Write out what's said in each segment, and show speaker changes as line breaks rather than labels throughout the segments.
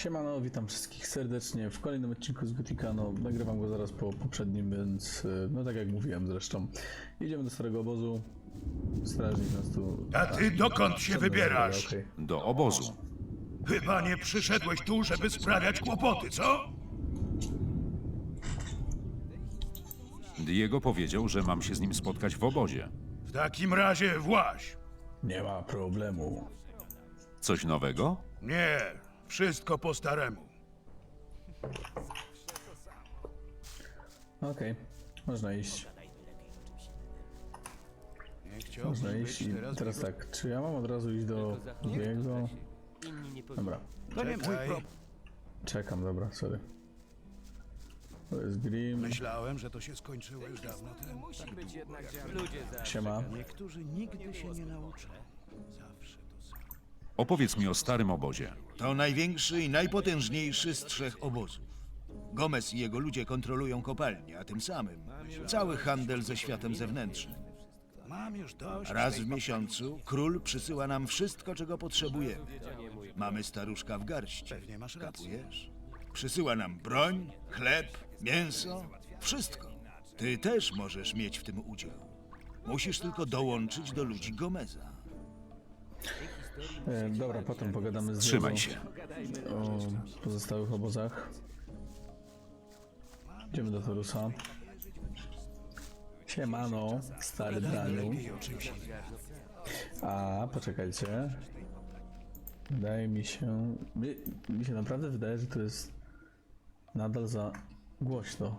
Siemano, witam wszystkich serdecznie w kolejnym odcinku z Gotika. No, nagrywam go zaraz po poprzednim, więc no tak jak mówiłem zresztą. Idziemy do starego obozu. Strażnik nas tu...
A ty dokąd się wybierasz?
Okej.
Do obozu.
Chyba nie przyszedłeś tu, żeby sprawiać kłopoty, co?
Diego powiedział, że mam się z nim spotkać w obozie.
W takim razie właź.
Nie ma problemu.
Coś nowego?
Nie, wszystko po staremu.
Okej, można iść. Można iść i teraz tak, czy ja mam od razu iść do Diego? Dobra,
To nie mój problem.
czekam, dobra, sorry. To jest Grim,
Myślałem, że to się skończyło już dawno temu.
siema.
Niektórzy nigdy się nie nauczą. Zawsze to samo.
Opowiedz mi o starym obozie.
To największy i najpotężniejszy z trzech obozów. Gomez i jego ludzie kontrolują kopalnię, a tym samym cały handel ze światem zewnętrznym.
Mam już dość.
Raz w miesiącu król przysyła nam wszystko, czego potrzebujemy. Mamy staruszka w garści.
Pewnie masz rację.
Kapujesz? Przysyła nam broń, chleb, mięso, wszystko. Ty też możesz mieć w tym udział. Musisz tylko dołączyć do ludzi Gomeza.
Dobra, potem pogadamy z
Trzymaj
Diego
się.
o pozostałych obozach. Idziemy do Torusa. Siemano, stary Daniu. A, poczekajcie. Wydaje mi się... Mi się naprawdę wydaje, że to jest nadal za głośno.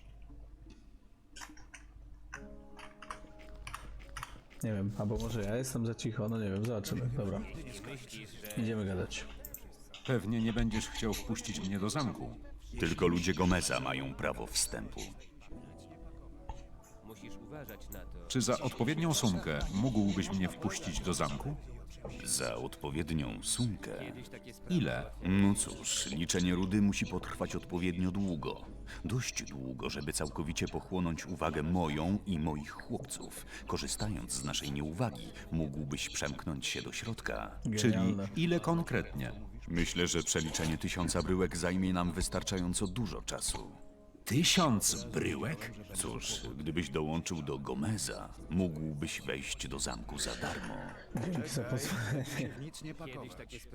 Nie wiem, albo może ja jestem za cicho, no nie wiem, zobaczymy. Dobra. Idziemy gadać.
Pewnie nie będziesz chciał wpuścić mnie do zamku.
Tylko ludzie Gomeza mają prawo wstępu.
Czy za odpowiednią sumkę mógłbyś mnie wpuścić do zamku?
Za odpowiednią sumkę.
Ile?
No cóż, liczenie rudy musi potrwać odpowiednio długo. Dość długo, żeby całkowicie pochłonąć uwagę moją i moich chłopców. Korzystając z naszej nieuwagi, mógłbyś przemknąć się do środka.
Czyli
Genialne.
ile konkretnie?
Myślę, że przeliczenie 1000 bryłek zajmie nam wystarczająco dużo czasu.
1000 bryłek?
Cóż, gdybyś dołączył do Gomeza, mógłbyś wejść do zamku za darmo.
Dzięki za pozwolenie.
Nic nie pakować.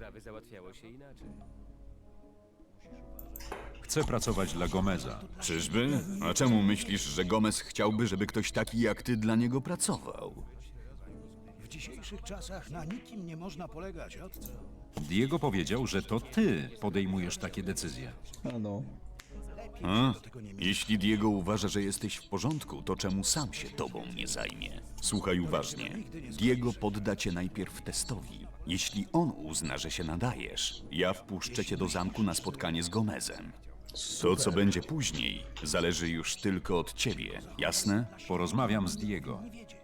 Chcę pracować dla Gomeza.
Czyżby? A czemu myślisz, że Gomez chciałby, żeby ktoś taki jak ty dla niego pracował?
W dzisiejszych czasach na nikim nie można polegać, od co?
Diego powiedział, że to ty podejmujesz takie decyzje.
A no.
A? Jeśli Diego uważa, że jesteś w porządku, to czemu sam się tobą nie zajmie? Słuchaj uważnie. Diego podda cię najpierw testowi. Jeśli on uzna, że się nadajesz, ja wpuszczę cię do zamku na spotkanie z Gomezem. To, co będzie później, zależy już tylko od ciebie. Jasne?
Porozmawiam z Diego.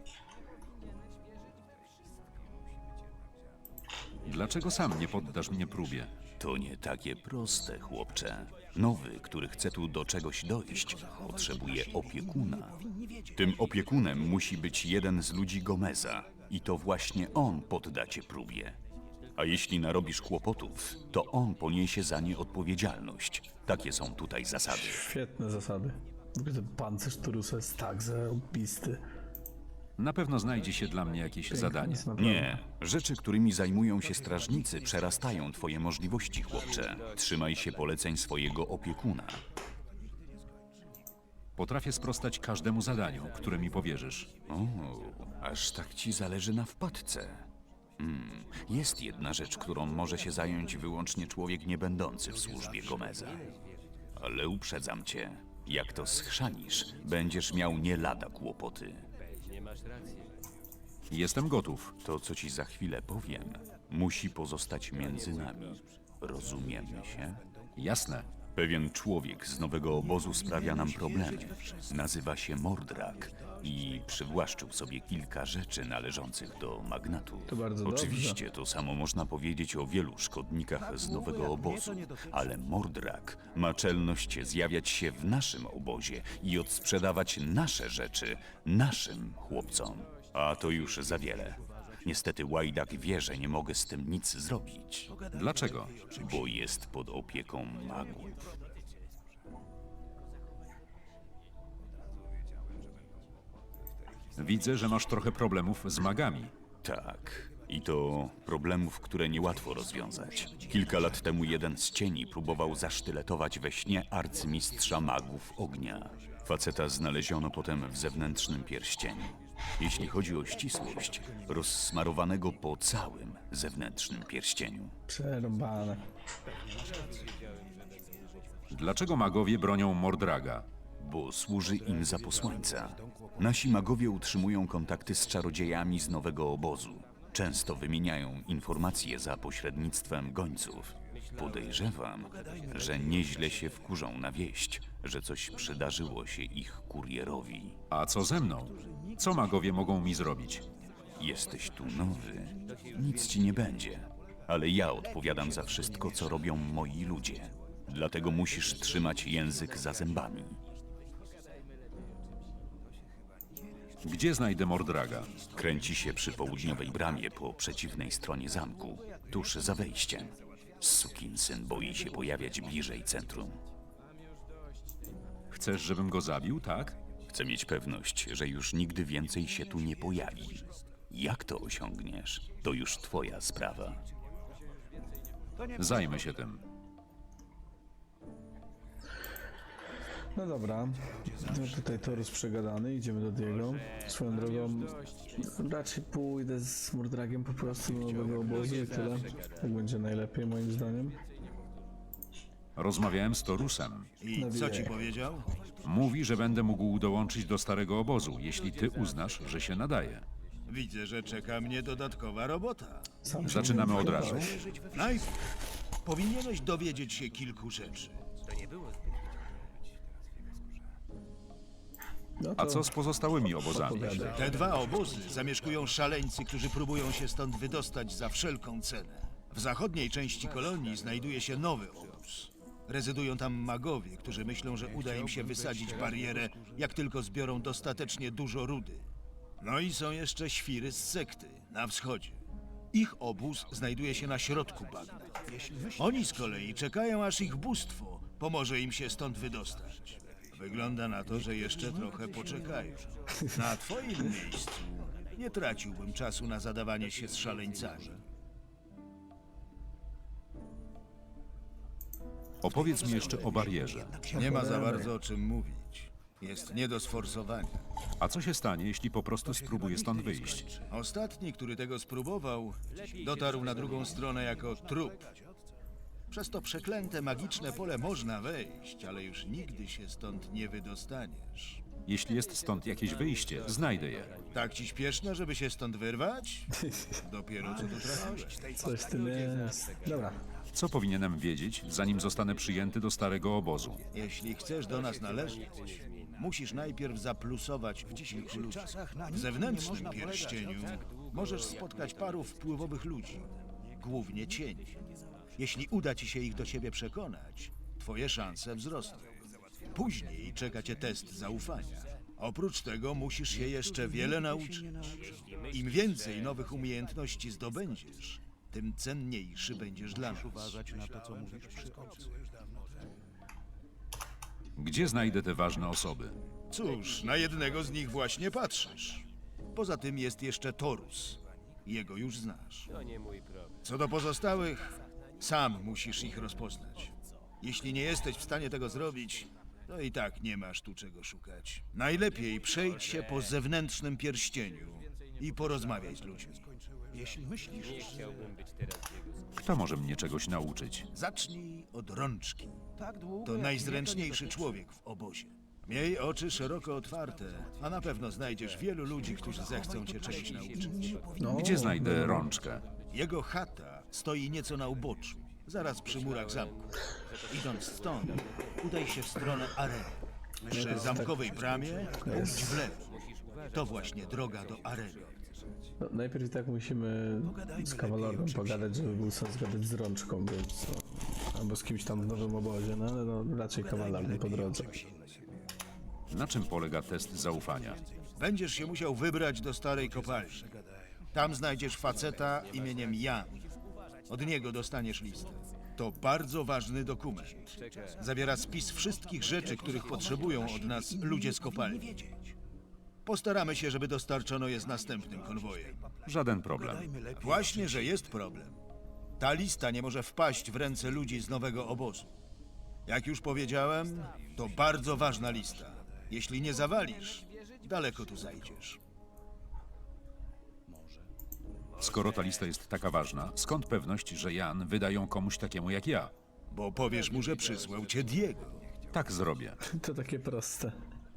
Dlaczego sam nie poddasz mnie próbie?
To nie takie proste, chłopcze. Nowy, który chce tu do czegoś dojść, potrzebuje opiekuna. Tym opiekunem musi być jeden z ludzi Gomeza i to właśnie on podda cię próbie. A jeśli narobisz kłopotów, to on poniesie za nie odpowiedzialność. Takie są tutaj zasady.
Świetne zasady. W ogóle ten pancerz Torusa jest tak zarobisty.
Na pewno znajdzie się dla mnie jakieś zadanie.
Jest naprawdę-
Nie, rzeczy, którymi zajmują się strażnicy, przerastają twoje możliwości, chłopcze. Trzymaj się poleceń swojego opiekuna.
Potrafię sprostać każdemu zadaniu, które mi powierzysz.
O, aż tak ci zależy na wpadce. Jest jedna rzecz, którą może się zająć wyłącznie człowiek niebędący w służbie Gomeza. Ale uprzedzam cię, jak to schrzanisz, będziesz miał nie lada kłopoty.
Jestem gotów.
To, co ci za chwilę powiem, musi pozostać między nami. Rozumiemy się?
Jasne.
Pewien człowiek z nowego obozu sprawia nam problemy. Nazywa się Mordrak i przywłaszczył sobie kilka rzeczy należących do magnatów.
To bardzo
Oczywiście to samo można powiedzieć o wielu szkodnikach z nowego obozu, ale Mordrak ma czelność zjawiać się w naszym obozie i odsprzedawać nasze rzeczy naszym chłopcom. A to już za wiele. Niestety Łajdak wie, że nie mogę z tym nic zrobić,
Dlaczego?
bo jest pod opieką magów.
Widzę, że masz trochę problemów z magami.
Tak, i to problemów, które niełatwo rozwiązać. Kilka lat temu jeden z cieni próbował zasztyletować we śnie arcymistrza magów ognia. Faceta znaleziono potem w zewnętrznym pierścieniu. Jeśli chodzi o ścisłość, rozsmarowanego po całym zewnętrznym pierścieniu.
Przerąbane.
Dlaczego magowie bronią Mordraga?
Bo służy im za posłańca. Nasi magowie utrzymują kontakty z czarodziejami z nowego obozu. Często wymieniają informacje za pośrednictwem gońców. Podejrzewam, że nieźle się wkurzą na wieść, że coś przydarzyło się ich kurierowi.
A co ze mną? Co magowie mogą mi zrobić?
Jesteś tu nowy, nic ci nie będzie. Ale ja odpowiadam za wszystko, co robią moi ludzie. Dlatego musisz trzymać język za zębami.
Gdzie znajdę Mordraga?
Kręci się przy południowej bramie po przeciwnej stronie zamku, tuż za wejściem. Sukinsyn boi się pojawiać bliżej centrum.
Chcesz, żebym go zabił, tak?
Chcę mieć pewność, że już nigdy więcej się tu nie pojawi. Jak to osiągniesz, to już twoja sprawa.
Zajmę się tym.
No dobra, no tutaj Torus przegadany, idziemy do Diego. Swoją drogą, raczej pójdę z Mordragiem po prostu do nowego obozu i tyle. Tak będzie najlepiej moim zdaniem.
Rozmawiałem z Torusem.
I co ci powiedział?
Mówi, że będę mógł dołączyć do starego obozu, jeśli ty uznasz, że się nadaje.
Widzę, że czeka mnie dodatkowa robota.
Sam się
Zaczynamy
nie
od razu.
Najpierw powinieneś dowiedzieć się kilku rzeczy.
No
A
to
co z pozostałymi obozami?
opowiadaj.
Te dwa obozy zamieszkują szaleńcy, którzy próbują się stąd wydostać za wszelką cenę. W zachodniej części kolonii znajduje się nowy obóz. Rezydują tam magowie, którzy myślą, że uda im się wysadzić barierę, jak tylko zbiorą dostatecznie dużo rudy. No i są jeszcze świry z sekty, na wschodzie. Ich obóz znajduje się na środku bagna. Oni z kolei czekają, aż ich bóstwo pomoże im się stąd wydostać. Wygląda na to, że jeszcze trochę poczekają. Na twoim miejscu nie traciłbym czasu na zadawanie się z szaleńcami.
Opowiedz mi jeszcze o barierze.
Nie ma za bardzo o czym mówić. Jest nie do sforsowania.
A co się stanie, jeśli po prostu spróbuję stąd wyjść?
Ostatni, który tego spróbował, dotarł na drugą stronę jako trup. Przez to przeklęte magiczne pole można wejść, ale już nigdy się stąd nie wydostaniesz.
Jeśli jest stąd jakieś wyjście, znajdę je.
Tak ci śpieszno, żeby się stąd wyrwać? Dopiero co tu trafiłeś.
Coś w tym jest. Dobra,
Co powinienem wiedzieć, zanim zostanę przyjęty do starego obozu?
Jeśli chcesz do nas należeć, musisz najpierw zaplusować w kilku ludzi. W zewnętrznym pierścieniu możesz spotkać paru wpływowych ludzi, głównie cieni. Jeśli uda ci się ich do siebie przekonać, twoje szanse wzrosną. Później czeka cię test zaufania. Oprócz tego musisz się jeszcze wiele nauczyć. Im więcej nowych umiejętności zdobędziesz, tym cenniejszy będziesz dla nas.
Gdzie znajdę te ważne osoby?
Cóż, na jednego z nich właśnie patrzysz. Poza tym jest jeszcze Torus. Jego już znasz. Co do pozostałych, sam musisz ich rozpoznać. Jeśli nie jesteś w stanie tego zrobić, to i tak nie masz tu czego szukać. Najlepiej przejdź się po zewnętrznym pierścieniu i porozmawiaj z ludźmi.
Jeśli myślisz,
Kto może mnie czegoś nauczyć?
Zacznij od rączki.
tak długo,
To
jak
najzręczniejszy
mnie to nie
człowiek w obozie. Miej oczy szeroko otwarte, a na pewno znajdziesz wielu ludzi, którzy zechcą cię czegoś nauczyć.
no,
Gdzie znajdę rączkę?
Jego chata stoi nieco na uboczu, zaraz przy murach zamku. Idąc stąd, udaj się w stronę areny. Przy zamkowej bramie pójdź w lewo. To właśnie droga do areny.
no, najpierw i tak musimy z kawalerem pogadać, żeby był sens gadać z rączką, więc albo z kimś tam w nowym obozie, no ale no, raczej kawalerem po drodze.
Na czym polega test zaufania?
Będziesz się musiał wybrać do starej kopalni. Tam znajdziesz faceta imieniem Jan. Od niego dostaniesz listę. To bardzo ważny dokument. Zawiera spis wszystkich rzeczy, których potrzebują od nas ludzie z kopalni. Postaramy się, żeby dostarczono je z następnym konwojem.
Żaden problem.
Właśnie, że jest problem. Ta lista nie może wpaść w ręce ludzi z nowego obozu. Jak już powiedziałem, to bardzo ważna lista. Jeśli nie zawalisz, daleko tu zajdziesz.
Skoro ta lista jest taka ważna, skąd pewność, że Jan wyda ją komuś takiemu jak ja?
Bo powiesz mu, że przysłał cię Diego.
Tak zrobię.
To takie proste.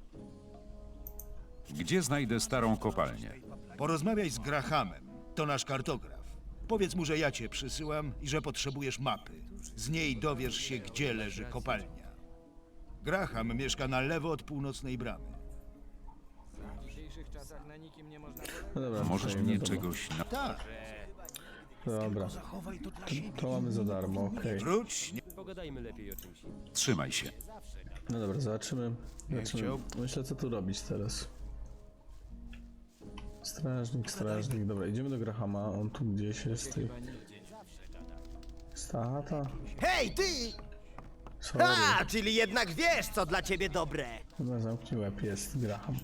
Gdzie znajdę starą kopalnię?
Porozmawiaj z Grahamem, to nasz kartograf. Powiedz mu, że ja cię przysyłam i że potrzebujesz mapy. Z niej dowiesz się, gdzie leży kopalnia. Graham mieszka na lewo od północnej bramy.
No dobra,
Możesz
tutaj,
mnie
no dobra.
czegoś na...
Tak,
Dobra,
Zachowaj to dla siebie.
to mamy za darmo, okej.
wróć.
Trzymaj się.
No dobra, zobaczymy. Myślę, co tu robić teraz. Strażnik, dobra, idziemy do Grahama, on tu gdzieś jest. Stata?
Hej, ty!
Sorry.
A, czyli jednak wiesz, co dla ciebie dobre.
Chyba zamknij łeb, jest Graham.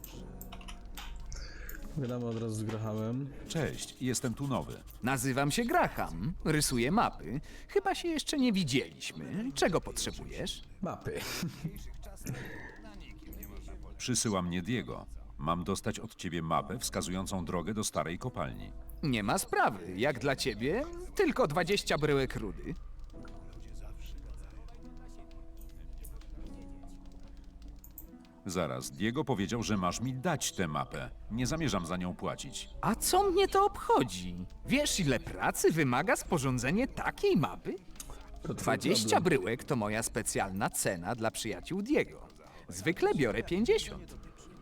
Gadamy od razu z Grahamem.
Cześć, jestem tu nowy.
Nazywam się Graham, rysuję mapy. Chyba się jeszcze nie widzieliśmy. Czego potrzebujesz?
Mapy.
Przysyła mnie Diego. Mam dostać od ciebie mapę wskazującą drogę do starej kopalni.
Nie ma sprawy. Jak dla ciebie, tylko 20 bryłek rudy.
Zaraz, Diego powiedział, że masz mi dać tę mapę. Nie zamierzam za nią płacić.
A co mnie to obchodzi? Wiesz, ile pracy wymaga sporządzenie takiej mapy?
To twój
20
problem.
bryłek to moja specjalna cena dla przyjaciół Diego. Zwykle biorę 50.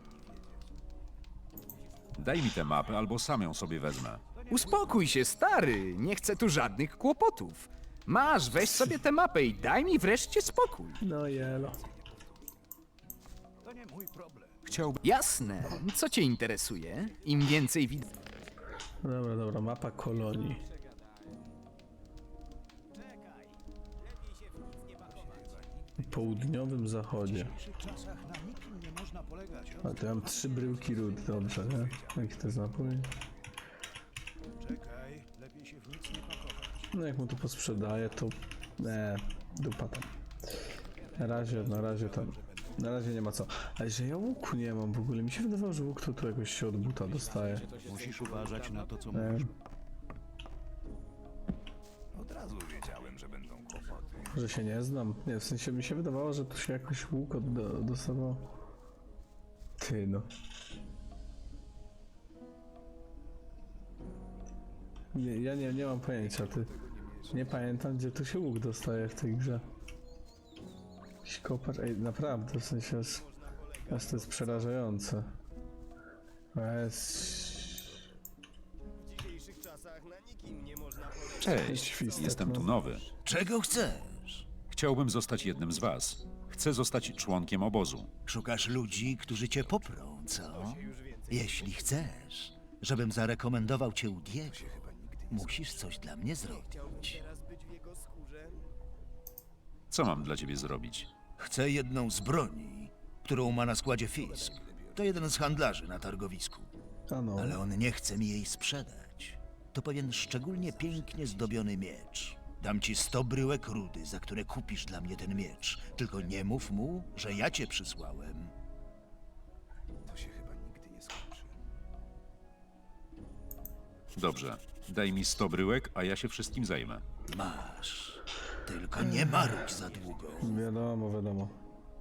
Daj mi tę mapę, albo sam ją sobie wezmę.
Uspokój się, stary. Nie chcę tu żadnych kłopotów. Masz, weź sobie tę mapę i daj mi wreszcie spokój.
No jelo.
Chciałbym...
Jasne. Co cię interesuje? Im więcej widzę.
Dobra, mapa kolonii. W południowym zachodzie.
W dzisiejszych czasach na nikim nie można polegać.
A to ja mam 3 bryłki ród, dobrze, nie? Jaki to jest napój?
Czekaj, lepiej się w nic nie pakować.
No jak mu to posprzedaję, to... dupa tam. Na razie nie ma co. Ale że ja łuku nie mam w ogóle. Mi się wydawało, że łuk to tu jakoś się od buta dostaje.
Musisz uważać na to, co
Nie.
mówisz.
Że się nie znam. Nie, w sensie mi się wydawało, że tu się jakoś łuk dostawał. Ty no. Ja nie mam pojęcia, ty. Nie pamiętam, gdzie tu się łuk dostaje w tej grze. Jakiś kopacz, naprawdę, w sensie aż to jest przerażające.
Cześć,
Świstek,
jestem
no.
tu nowy.
Czego chcesz?
Chciałbym zostać jednym z was. Chcę zostać członkiem obozu.
Szukasz ludzi, którzy cię poprą, co? Jeśli chcesz, żebym zarekomendował cię u Diego, musisz coś dla mnie zrobić.
Co mam dla ciebie zrobić?
Chcę jedną z broni, którą ma na składzie Fisk. To jeden z handlarzy na targowisku.
A no,
Ale on nie chce mi jej sprzedać. To pewien szczególnie pięknie zdobiony miecz. Dam ci 100 bryłek rudy, za które kupisz dla mnie ten miecz. Tylko nie mów mu, że ja cię przysłałem.
Dobrze, daj mi 100 bryłek, a ja się wszystkim zajmę.
Masz. Tylko nie marudź za długo.
wiadomo.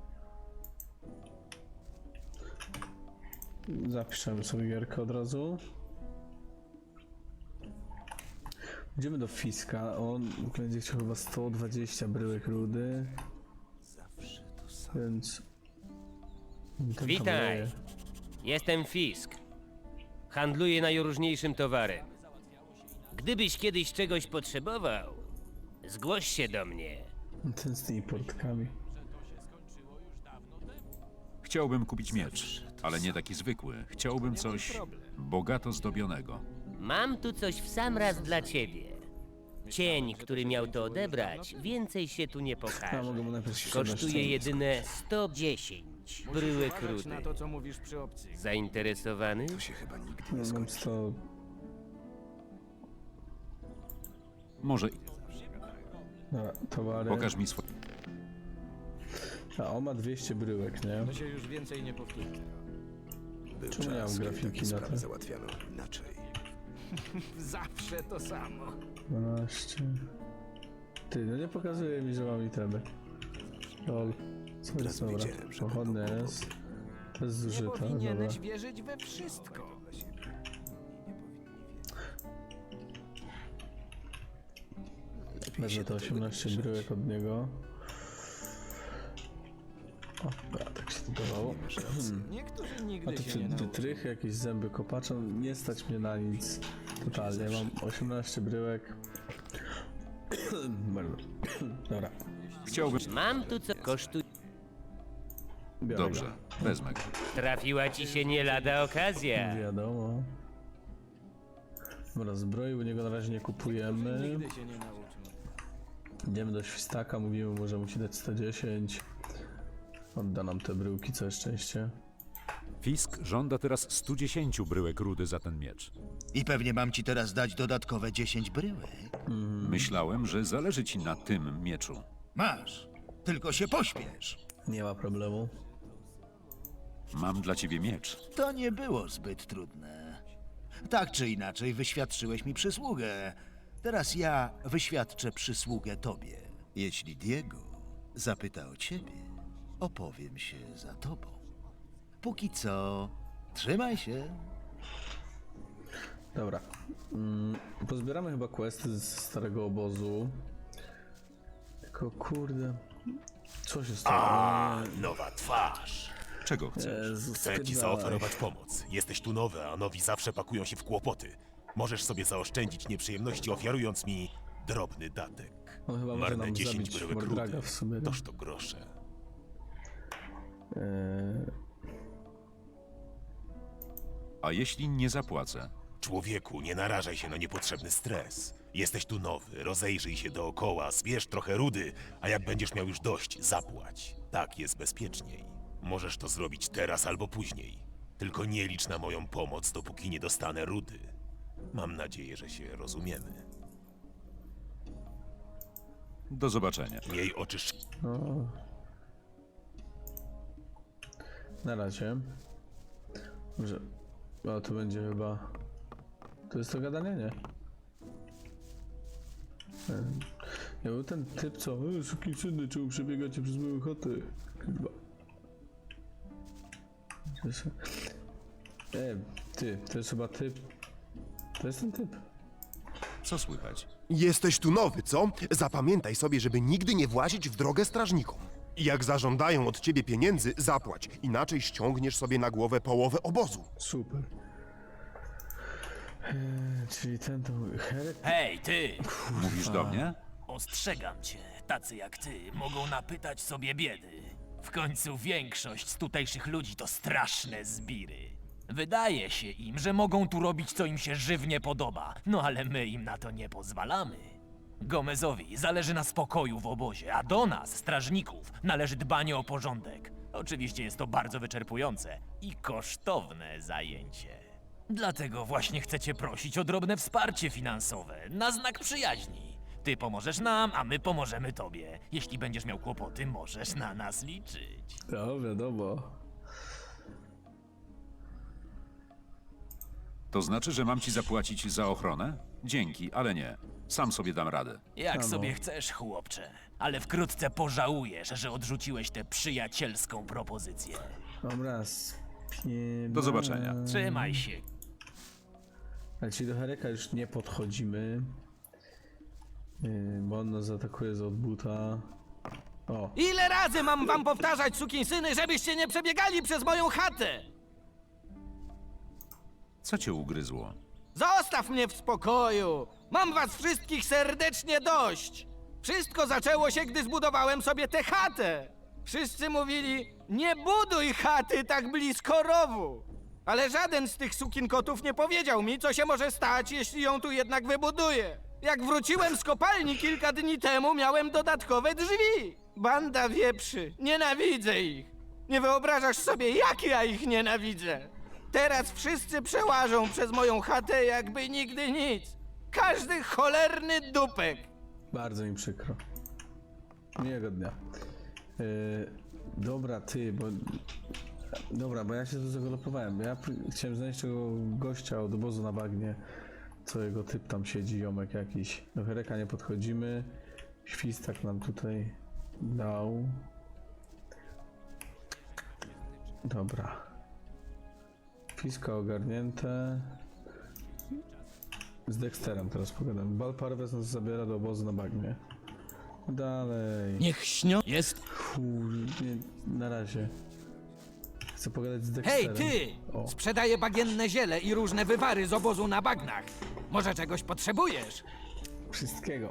Zapiszemy sobie gierkę od razu. Idziemy do Fiska, on będzie chciał chyba 120 bryłek rudy. Więc... ten tam
Witaj.
daje.
Jestem Fisk. Handluję najróżniejszym towarem. Gdybyś kiedyś czegoś potrzebował, zgłoś się do mnie.
Ten z tymi portkami.
Chciałbym kupić miecz, ale nie taki zwykły. Chciałbym coś bogato zdobionego.
Mam tu coś w sam raz dla ciebie. Cień, który miał to odebrać, więcej się tu nie
Ja
pokaże.
mogę mu najpierw się
Kosztuje jedyne 110 bryłek rudy.
Na to, co mówisz przy opcji.
Zainteresowany?
Mam 100...
Może
Dobra, towary.
pokaż mi swoje...
A on ma 200 bryłek, nie?
To się już więcej nie powtórzy.
Czemu nie mam grafiki na to?
Zawsze to samo.
12... Ty, no nie pokazuje mi, że mam itemy. Lol. Co jest dobra? Pochodny jest. To jest
Nie
zużyte, dobra.
powinieneś wierzyć we wszystko.
Wezmę to 18 bryłek od niego. O, tak się to dawało.
Niektórzy
A
nigdy
to
się nie nauczą.
wytrychy, jakieś zęby kopacza, nie stać mnie na nic. Totalnie, mam 18 bryłek. Bardzo. Dobra,
Chciałbym...
Mam tu co kosztuje.
biorę
Dobrze, wezmę go.
Trafiła ci się nie lada okazja.
go. Wiadomo. Dobra, zbroi u niego na razie nie kupujemy.
Nigdy się nie nauczą.
Idziemy do świstaka, mówimy mu, że musi dać 110. Odda nam te bryłki, całe szczęście.
Fisk żąda teraz 110 bryłek rudy za ten miecz.
I pewnie mam ci teraz dać dodatkowe 10 bryłek.
Myślałem, że zależy ci na tym mieczu.
Masz, tylko się pośpiesz.
Nie ma problemu.
Mam dla ciebie miecz.
To nie było zbyt trudne. Tak czy inaczej wyświadczyłeś mi przysługę. Teraz ja wyświadczę przysługę tobie. Jeśli Diego zapyta o ciebie, opowiem się za tobą. Póki co, trzymaj się.
Dobra. Pozbieramy chyba questy z starego obozu. Tylko kurde. Co się stało?
Nowa twarz.
Czego chcesz?
Jezus,
Chcę ci
spierdalaj.
zaoferować pomoc. Jesteś tu nowy, a nowi zawsze pakują się w kłopoty. Możesz sobie zaoszczędzić nieprzyjemności, ofiarując mi drobny datek.
On chyba może
Marne
nam
10
zabić
bryłek
Mordraga
rudy.
w sumie. nie?
Toż to grosze.
A jeśli nie zapłacę?
Człowieku, nie narażaj się na niepotrzebny stres. Jesteś tu nowy, rozejrzyj się dookoła, zbierz trochę rudy, a jak będziesz miał już dość, zapłać. Tak jest bezpieczniej. Możesz to zrobić teraz albo później. Tylko nie licz na moją pomoc, dopóki nie dostanę rudy. Mam nadzieję, że się rozumiemy.
Do zobaczenia.
Miej oczy
No. Na razie. Może. O, to będzie chyba. To jest to gadanie, nie? Ja był ten typ, co. Sukiensyny, czemu przebiegacie przez moją chatę? Chyba. Ty, to jest chyba typ. To jest ten typ.
Co słychać?
Jesteś tu nowy, co? Zapamiętaj sobie, żeby nigdy nie włazić w drogę strażnikom. I jak zażądają od ciebie pieniędzy, zapłać. Inaczej ściągniesz sobie na głowę połowę obozu.
Super. Czyli ten to. Herek.
Hej, ty!
Mówisz do mnie?
Ostrzegam cię, tacy jak ty mogą napytać sobie biedy. W końcu większość z tutejszych ludzi to straszne zbiry. Wydaje się im, że mogą tu robić, co im się żywnie podoba, no ale my im na to nie pozwalamy. Gomezowi zależy na spokoju w obozie, a do nas, strażników, należy dbanie o porządek. Oczywiście jest to bardzo wyczerpujące i kosztowne zajęcie. Dlatego właśnie chcecie prosić o drobne wsparcie finansowe, na znak przyjaźni. Ty pomożesz nam, a my pomożemy tobie. Jeśli będziesz miał kłopoty, możesz na nas liczyć.
No, wiadomo.
To znaczy, że mam ci zapłacić za ochronę? Dzięki, ale nie. Sam sobie dam radę.
Jak sobie chcesz, chłopcze. Ale wkrótce pożałujesz, że odrzuciłeś tę przyjacielską propozycję.
Dobra,
Do zobaczenia.
Trzymaj się.
Ale czyli do Hereka już nie podchodzimy. Bo on nas zaatakuje z odbuta. O,
Ile razy mam wam powtarzać, sukinsyny, żebyście nie przebiegali przez moją chatę?
Co cię ugryzło?
Zostaw mnie w spokoju! Mam was wszystkich serdecznie dość! Wszystko zaczęło się, gdy zbudowałem sobie tę chatę! Wszyscy mówili, nie buduj chaty tak blisko rowu! Ale żaden z tych sukinkotów nie powiedział mi, co się może stać, jeśli ją tu jednak wybuduję. Jak wróciłem z kopalni kilka dni temu, miałem dodatkowe drzwi. Banda wieprzy. Nienawidzę ich. Nie wyobrażasz sobie, jak ja ich nienawidzę. Teraz wszyscy przełażą przez moją chatę, jakby nigdy nic. Każdy cholerny dupek.
Bardzo mi przykro. Miłego dnia. Dobra, ty, bo... Dobra, bo ja się tu zagalopowałem. Ja chciałem znaleźć tego gościa od obozu na bagnie. Co jego typ tam siedzi, jomek jakiś. Do Hereka nie podchodzimy. Świstak nam tutaj dał. Dobra. Fiska ogarnięte. Z Dexterem teraz pogadam. Balparves nas zabiera do obozu na bagnie. Dalej.
Niech śnią jest.
Nie, na razie. Chcę pogadać z Dexterem.
Hej, ty!
O.
Sprzedaję bagienne ziele i różne wywary z obozu na bagnach. Może czegoś potrzebujesz?
Wszystkiego.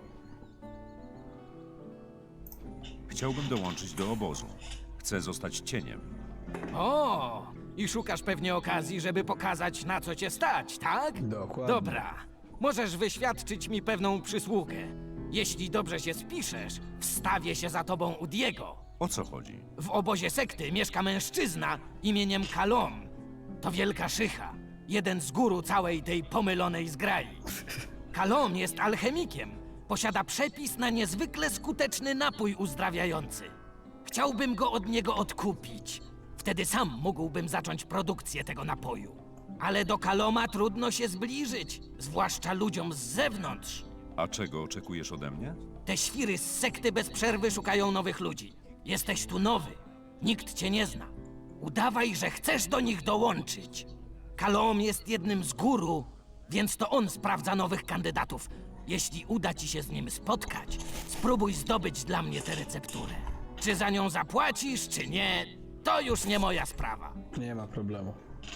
Chciałbym dołączyć do obozu. Chcę zostać cieniem.
O! I szukasz pewnie okazji, żeby pokazać, na co cię stać, tak?
Dokładnie.
Dobra. Możesz wyświadczyć mi pewną przysługę. Jeśli dobrze się spiszesz, wstawię się za tobą u Diego.
O co chodzi?
W obozie sekty mieszka mężczyzna imieniem Kalom. To wielka szycha. Jeden z guru całej tej pomylonej zgrai. Kalom jest alchemikiem. Posiada przepis na niezwykle skuteczny napój uzdrawiający. Chciałbym go od niego odkupić. Wtedy sam mógłbym zacząć produkcję tego napoju. Ale do Kaloma trudno się zbliżyć, zwłaszcza ludziom z zewnątrz.
A czego oczekujesz ode mnie?
Te świry z sekty bez przerwy szukają nowych ludzi. Jesteś tu nowy. Nikt cię nie zna. Udawaj, że chcesz do nich dołączyć. Kalom jest jednym z guru, więc to on sprawdza nowych kandydatów. Jeśli uda ci się z nim spotkać, spróbuj zdobyć dla mnie tę recepturę. Czy za nią zapłacisz, czy nie, to już nie moja sprawa.
Nie ma problemu.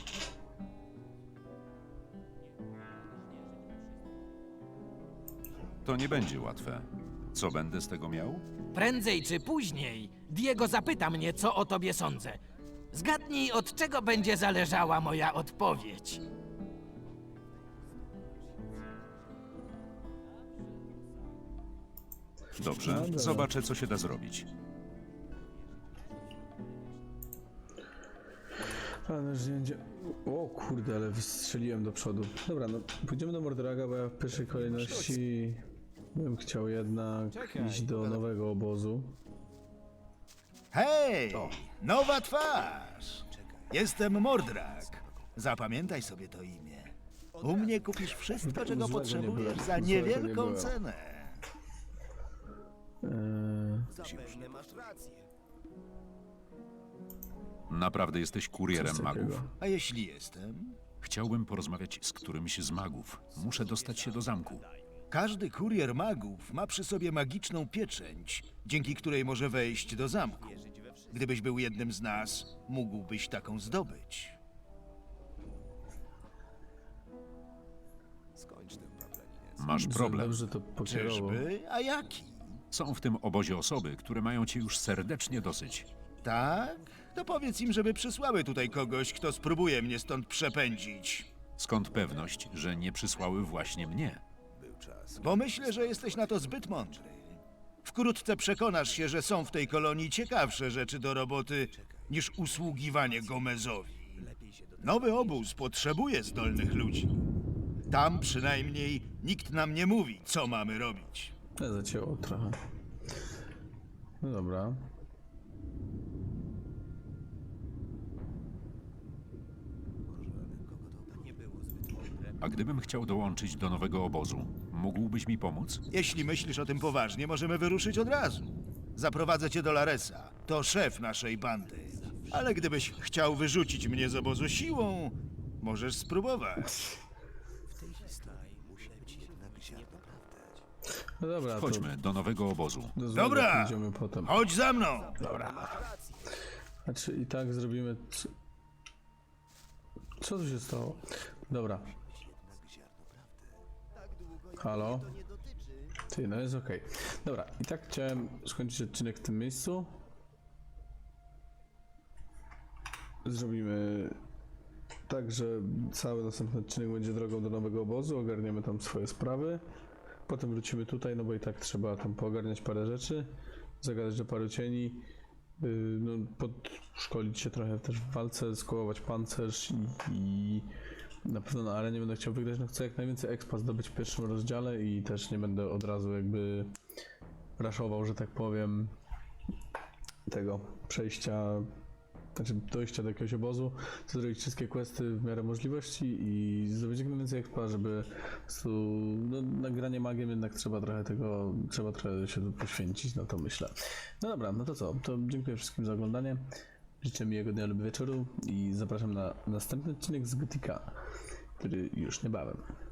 To nie będzie łatwe. Co będę z tego miał?
Prędzej czy później Diego zapyta mnie, co o tobie sądzę. Zgadnij, od czego będzie zależała moja odpowiedź.
Dobrze,
dobra.
zobaczę, co się da zrobić.
Ale zdjęcie. O kurde, ale wystrzeliłem do przodu. Dobra, no pójdziemy do Mordraga, bo ja w pierwszej kolejności bym chciał jednak iść do nowego obozu.
Hej! Nowa twarz! Jestem Mordrak. Zapamiętaj sobie to imię. U mnie kupisz wszystko, czego
Złego nie
potrzebujesz
było.
za
Złego nie
niewielką
było.
cenę.
Naprawdę jesteś kurierem
Coś
magów?
takiego.
A jeśli jestem?
Chciałbym porozmawiać z którymś z magów. Muszę dostać się do zamku.
Każdy kurier magów ma przy sobie magiczną pieczęć, dzięki której może wejść do zamku. Gdybyś był jednym z nas, mógłbyś taką zdobyć.
Masz problem.
Dobrze to pokierował.
Czyżby? A jaki?
Są w tym obozie osoby, które mają cię już serdecznie dosyć.
Tak? To powiedz im, żeby przysłały tutaj kogoś, kto spróbuje mnie stąd przepędzić.
Skąd pewność, że nie przysłały właśnie mnie?
Bo myślę, że jesteś na to zbyt mądry. Wkrótce przekonasz się, że są w tej kolonii ciekawsze rzeczy do roboty niż usługiwanie Gomezowi. Nowy obóz potrzebuje zdolnych ludzi. Tam przynajmniej nikt nam nie mówi, co mamy robić.
Ja zacięło trochę. No dobra.
A gdybym chciał dołączyć do nowego obozu, mógłbyś mi pomóc?
Jeśli myślisz o tym poważnie, możemy wyruszyć od razu. Zaprowadzę cię do Laresa. To szef naszej bandy. Ale gdybyś chciał wyrzucić mnie z obozu siłą, możesz spróbować.
No dobra, to
Chodźmy do nowego obozu.
do złego
Dobra!
pójdziemy potem.
Chodź za mną!
Znaczy i tak zrobimy... Co tu się stało? Dobra. Halo? Ty, no jest okej. Dobra, i tak chciałem skończyć odcinek w tym miejscu. Zrobimy Także cały następny odcinek będzie drogą do nowego obozu, ogarniemy tam swoje sprawy. Potem wrócimy tutaj, no bo i tak trzeba tam poogarniać parę rzeczy, zagadać do paru cieni, no, podszkolić się trochę też w walce, skołować pancerz i na pewno na arenie będę chciał wygrać, no chcę jak najwięcej expa zdobyć w pierwszym rozdziale i też nie będę od razu jakby raszował, że tak powiem, tego przejścia, znaczy dojścia do jakiegoś obozu, chcę zrobić wszystkie questy w miarę możliwości i zdobyć jak najwięcej expa, żeby po prostu, no, nagranie magiem jednak trzeba trochę się tu poświęcić, no to myślę. No dobra, no to co, to dziękuję wszystkim za oglądanie, życzę miłego dnia lub wieczoru i zapraszam na następny odcinek z Gotika, który już niebawem.